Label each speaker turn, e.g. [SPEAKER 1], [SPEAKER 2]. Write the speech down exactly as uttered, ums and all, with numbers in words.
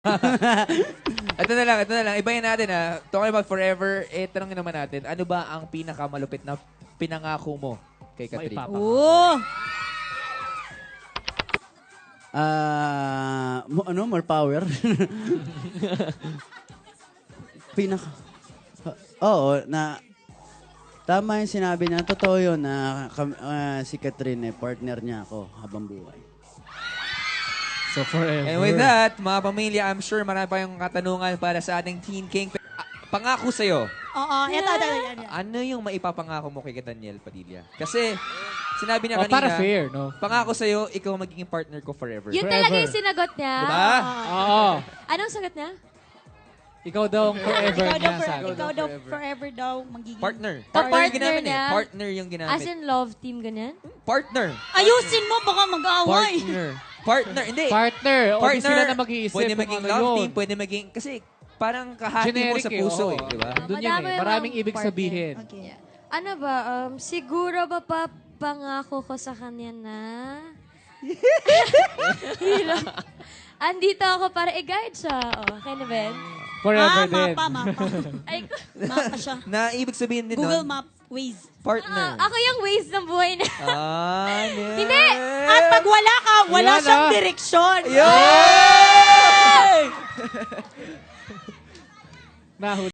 [SPEAKER 1] Ito na lang, ito na lang. Ibahin natin ha. Talking about forever, eh, tanongin naman natin, ano ba ang pinakamalupit na pinangako mo kay Catherine?
[SPEAKER 2] Oo.
[SPEAKER 3] Ah, mo- ano, more power. Pinaka... Oo, na... Tama yung sinabi niya. Totoo yun na kam- ah, si Catherine, eh, partner niya ako habang buhay.
[SPEAKER 4] So forever.
[SPEAKER 1] And with that, mga pamilya, I'm sure marami pa yung katanungan para sa ating Teen King. Ah, pangako sa'yo,
[SPEAKER 2] Oo, ito, ito, ito, ito.
[SPEAKER 1] ano yung maipapangako mo kay Daniel Padilla? Kasi, sinabi niya
[SPEAKER 4] Oh,
[SPEAKER 1] kanina,
[SPEAKER 4] para fair, no?
[SPEAKER 1] pangako sa'yo, ikaw magiging partner ko forever.
[SPEAKER 5] Yun
[SPEAKER 4] Forever.
[SPEAKER 5] talaga yung sinagot niya.
[SPEAKER 1] Diba?
[SPEAKER 4] Oo.
[SPEAKER 5] Anong sagot niya?
[SPEAKER 4] Ikaw daw ang forever
[SPEAKER 2] Ikaw daw,
[SPEAKER 4] niya
[SPEAKER 2] for,
[SPEAKER 4] sa
[SPEAKER 2] ikaw daw forever daw magiging...
[SPEAKER 1] Partner.
[SPEAKER 5] Oh,
[SPEAKER 1] Partner yung
[SPEAKER 5] partner
[SPEAKER 1] ginamit eh.
[SPEAKER 5] na?
[SPEAKER 1] Partner yung ginamit.
[SPEAKER 5] As in love team, ganyan?
[SPEAKER 1] Partner.
[SPEAKER 2] Ayusin mo, baka mag-away.
[SPEAKER 1] Partner. Partner. Hindi.
[SPEAKER 4] Partner. O di
[SPEAKER 1] Partner.
[SPEAKER 4] sila na mag-iisip
[SPEAKER 1] Pwede
[SPEAKER 4] kung
[SPEAKER 1] maging
[SPEAKER 4] ano
[SPEAKER 1] love
[SPEAKER 4] yun.
[SPEAKER 1] team, pwede maging... Kasi parang kahati mo
[SPEAKER 4] Generic
[SPEAKER 1] sa
[SPEAKER 4] eh,
[SPEAKER 1] puso
[SPEAKER 4] oo.
[SPEAKER 1] eh. Di ba?
[SPEAKER 4] Doon yun
[SPEAKER 5] Madami
[SPEAKER 4] eh.
[SPEAKER 5] bang
[SPEAKER 4] Maraming ibig
[SPEAKER 5] partner?
[SPEAKER 4] sabihin.
[SPEAKER 2] Okay.
[SPEAKER 5] Ano ba, um, siguro ba papangako ko sa kanya na... Hirap. Andito ako para i-guide siya. O, okay na, Ben?
[SPEAKER 4] Forever
[SPEAKER 2] Ah,
[SPEAKER 4] din.
[SPEAKER 2] mapa, mapa.
[SPEAKER 5] Ay,
[SPEAKER 2] Mapa siya.
[SPEAKER 1] Na ibig sabihin din
[SPEAKER 2] Google
[SPEAKER 1] nun,
[SPEAKER 2] Map, Waze.
[SPEAKER 1] partner.
[SPEAKER 5] ako yung ways ng buhay na.
[SPEAKER 1] Ah,
[SPEAKER 5] Hindi!
[SPEAKER 2] At pag wala ka, wala
[SPEAKER 4] Yan,
[SPEAKER 2] siyang
[SPEAKER 4] ah.
[SPEAKER 2] direksyon.
[SPEAKER 1] Yay!
[SPEAKER 4] Nahuli.